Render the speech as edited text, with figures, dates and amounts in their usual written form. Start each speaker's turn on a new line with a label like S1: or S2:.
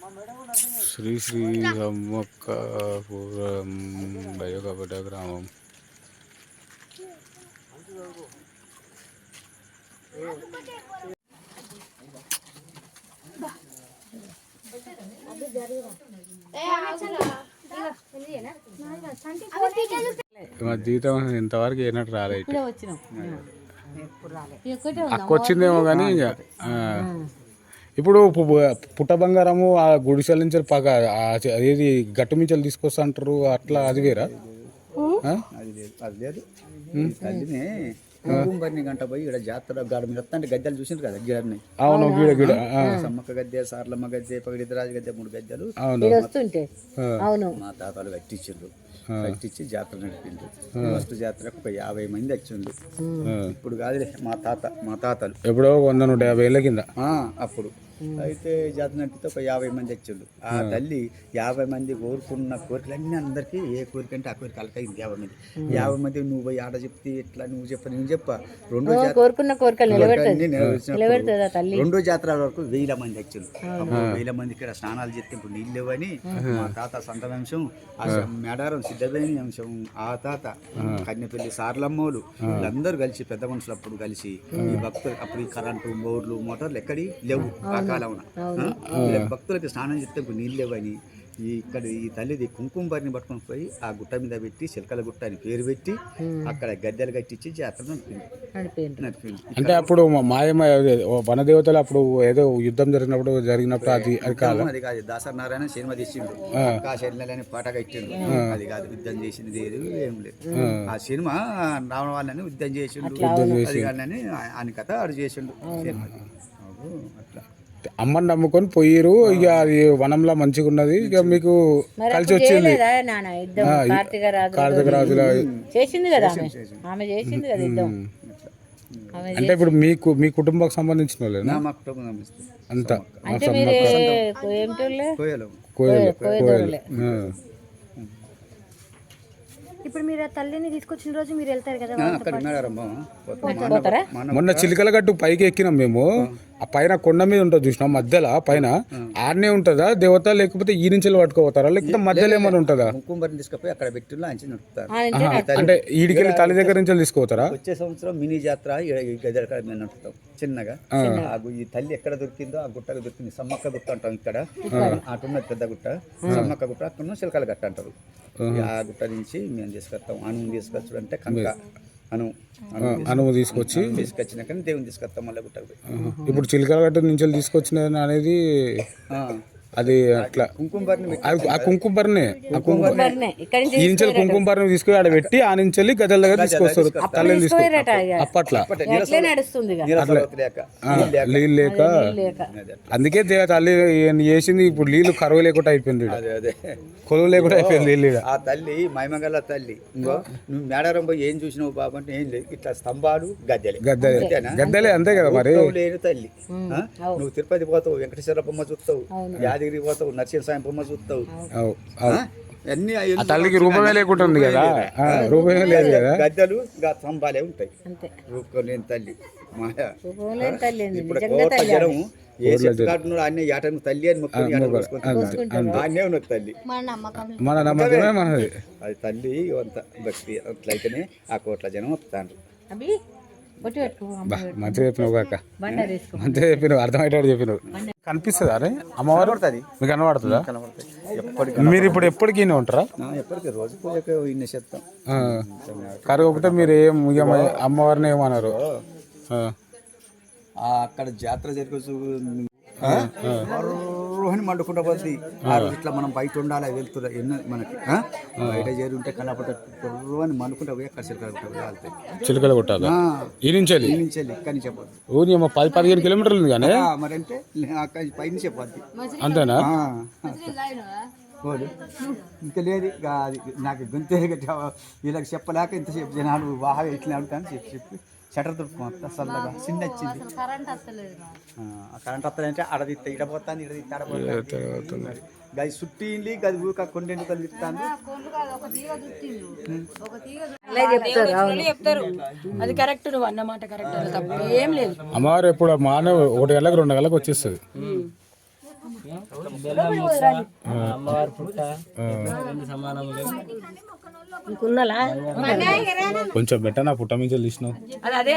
S1: శ్రీ శ్రీ సమ్మక్కపురం బయోకపట గ్రామం. మా జీవితం ఇంతవరకు ఏనట్టు రాలేదు. అక్క వచ్చిందేమో కానీ ఇప్పుడు పుట్ట బంగారము ఆ గుడిసెల నుంచి ఏది గట్టు మించలు తీసుకొస్తా అంటారు, అట్లా అది వేరా?
S2: అది లేదు. తల్లిని కుంకుమర్ని గంట పోయి ఇక్కడ జాతర గాడ మీద వస్తా అంటే గద్దెలు చూసిండ్రు కదా గిడని.
S1: అవును, గిడ గిడ
S2: సమ్మక్క గద్దె, సార్లమ్మ గద్దె, పగిడితరాజు గద్దె, 3 గద్దెలు మా తాతలు కట్టించిండ్రు. కట్టించి జాతర నడిపిండ్రు. ఫస్ట్ జాతరకు ఒక 50 మంది వచ్చిండ్రు. ఇప్పుడు కాదులే, మా తాతలు
S1: ఎప్పుడో 100-150 ఏళ్ళ కింద
S2: అప్పుడు అయితే జాతర నడిపితే ఒక 50 మంది వచ్చిండ్రు. ఆ తల్లి 50 మంది కోరుకున్న కోరికలన్నీ అందరికీ ఏ కోరిక అంటే ఆ కోరిక అలకైంది. 50 మంది నువ్వు పోయి ఆడ చెప్తే ఇట్లా నువ్వు చెప్ప రెండో జాతర వరకు 1000 మంది వచ్చిండ్రు. 1000 మంది ఇక్కడ స్నానాలు చేస్తే ఇప్పుడు నీళ్ళు లేవని మా తాత సంత వంశం, మేడారం సిద్ధవేణి వంశం, ఆ తాత కన్నెపల్లి సార్లమ్మోలు వీళ్ళందరూ కలిసి పెద్ద మనుషులు అప్పుడు కలిసి ఈ భక్తులు అప్పుడు ఈ కరెంటు బోర్లు మోటార్లు ఎక్కడి లేవు. భక్తులకి స్నానం చేస్తే ఇప్పుడు నీళ్ళు లేవని ఇక్కడ ఈ తల్లిది కుంకుమ బరిని పట్టుకొని పోయి ఆ గుట్ట మీద పెట్టి చిలకల గుట్ట అని పేరు పెట్టి అక్కడ గద్దెలు కట్టించి జాతర నడిపింది.
S1: అంటే అప్పుడు మాయమ వనదేవతలు అప్పుడు ఏదో యుద్ధం జరిగినప్పుడు అది కాదు.
S2: అది కాదు, దాసనారాయణ సినిమా తీసిండు, కాశీలని పాట కట్టిండు. అది కాదు, యుద్ధం చేసింది లేదు, ఏం లేదు. ఆ సినిమా రావణ వాళ్ళని యుద్ధం చేసిండు, అది కానీ ఆయన కథ ఆడు చేసిండు సినిమా. అట్లా
S1: అమ్మని నమ్ముకొని పోయిరు. ఇక అది వనంలో మంచిగా ఉన్నది, ఇక మీకు కలిసి వచ్చింది. కార్తీక రాజుల అంటే ఇప్పుడు మీ కుటుంబానికి సంబంధించిన వాళ్ళేనా అంతా?
S3: ఇప్పుడు మీరు తల్లిని తీసుకొచ్చిన రోజు మీరు వెళ్తారు కదా.
S1: మొన్న చిలకల గట్టు పైకి ఎక్కినాం మేము. ఆ పైన కొండ మీద ఉంటుంది చూసినాం, మధ్యలో పైన ఆడనే ఉంటుందా దేవత, లేకపోతే ఈ నుంచి పట్టుకోపోతారా, లేకపోతే మధ్యలో ఏమైనా ఉంటుందా?
S2: తీసుకుపోయి అక్కడ పెట్టి
S1: అంటే ఈడికెళ్ళి తల్లి దగ్గర నుంచి తీసుకుపోతారా?
S2: వచ్చే సంవత్సరం మినీ జాతర నడుపుతాం చిన్నగా. ఈ తల్లి ఎక్కడ దొరికిందో ఆ గుట్టకు దొరికింది. సమ్మక్క గుట్ట అంటాం ఇక్కడ, అటున్నది పెద్ద గుట్ట సమ్మక్క గుట్ట, అక్కడ చిలకల గట్ట అంటారు. ఆ గుట్ట నుంచి మేము తీసుకొస్తాం. అనువు తీసుకొచ్చు అంటే కంక
S1: అనువు
S2: తీసుకొచ్చినాక దేవుని తీసుకొస్తాం మళ్ళీ గుట్టకు.
S1: ఇప్పుడు చిలకల గట్టు నుంచి తీసుకొచ్చిన అనేది అది అట్లా ఆ కుంకుమ బరిని ఈ నుంచి కుంకుమ బరిని తీసుకుని ఆడ పెట్టి ఆ నుంచి గజల దగ్గర తీసుకొస్తారు తల్లిని తీసుకొస్తారు. అప్పట్లో నీళ్ళు లేక అందుకే తల్లి చేసింది. ఇప్పుడు నీళ్ళు కరువు లేకుండా అయిపోయింది, కొలువు లేకుండా అయిపోయింది నీళ్ళు.
S2: ఆ తల్లి మహిమగల తల్లి. ఇంకో నువ్వు మేడారం పోయి ఏం చూసినావు బాబు అంటే ఏం లేదు, ఇట్లా స్తంభాలు
S1: గద్దెలే అంతే కదా మరి.
S2: లేని తల్లి. నువ్వు తిరుపతి పోతావు, వెంకటేశ్వర బొమ్మ చూస్తావు, యాదగిరి పోతావు, నరసింహస్వామి బొమ్మ చూస్తావు.
S1: తల్లికి రూపమే లేకుంటుంది కదా, రూపమే లేదు కదా.
S2: గద్దెలు స్తంభాలే ఉంటాయి, రూపం లేని తల్లి మాయా. ఇప్పుడు కోట్ల జనం ఏ చెట్టు అన్నీ ఏటను తల్లి అని మొక్కని అన్నే ఉన్నది తల్లి.
S1: మన నమ్మకమే మనది.
S2: అది తల్లి అంత భక్తి. అట్లయితేనే ఆ కోట్ల జనం వస్తాను.
S1: మంచిగా చెప్పినావు కాక, మంచిగా చెప్పినావు, అర్థమయ్యేటట్టు చెప్పినావు. కనిపిస్తుందా అరే అమ్మవారు? మీకు కనబడుతుందా? మీరు ఇప్పుడు ఎప్పటికీ ఉంటారా?
S2: ఎప్పటికీ రోజు ఇన్ని చెప్తాం.
S1: కరగకపోతే మీరు ఏం అమ్మవారిని ఏమన్నారు?
S2: అక్కడ జాతర జరిగే రోహిణి మండుకుంటా పోద్ది. ఇట్లా మనం బయట ఉండాలి, వెళ్తున్నా ఎన్నో మనకి బయట చేరి ఉంటే కలపడి అని మండుకుంటా పోయి అక్కడ
S1: చిలకలు కొట్టాలి. ఈ నుంచి
S2: కానీ చెప్పదు,
S1: 10-15 కిలోమీటర్లు ఉంది కానీ
S2: మరి అంటే పైన చెప్పద్ది
S1: అంతేనా?
S2: ఇంకా లేదు నాకు గొంతే వీళ్ళకి చెప్పలేక ఇంతసేపు జనాలు బాగా ఇట్లా అడుగుతాను చెప్పి షటర్ తుడుచుకోండి. చల్లగా చిన్న వచ్చింది కరెంట్ వస్తుందంటే అడదిస్తా, ఇడపోతాను ఇడదిస్తాను. గది చుట్టింది, గది ఊక కొండెండు కలిస్తాను.
S4: అది కరెక్ట్, నువ్వు అన్నమాట కరెక్ట్, ఏం లేదు.
S1: అమ్మవారు ఎప్పుడు మానవ 1 గంటలకు 2 గంటలకు వచ్చేస్తుంది.
S5: అమ్మవారి పుట్ట రెండు సమానములు.
S1: కొంచెం బెటర్ నా పుట్ట మించి తీసినావు.
S4: అదే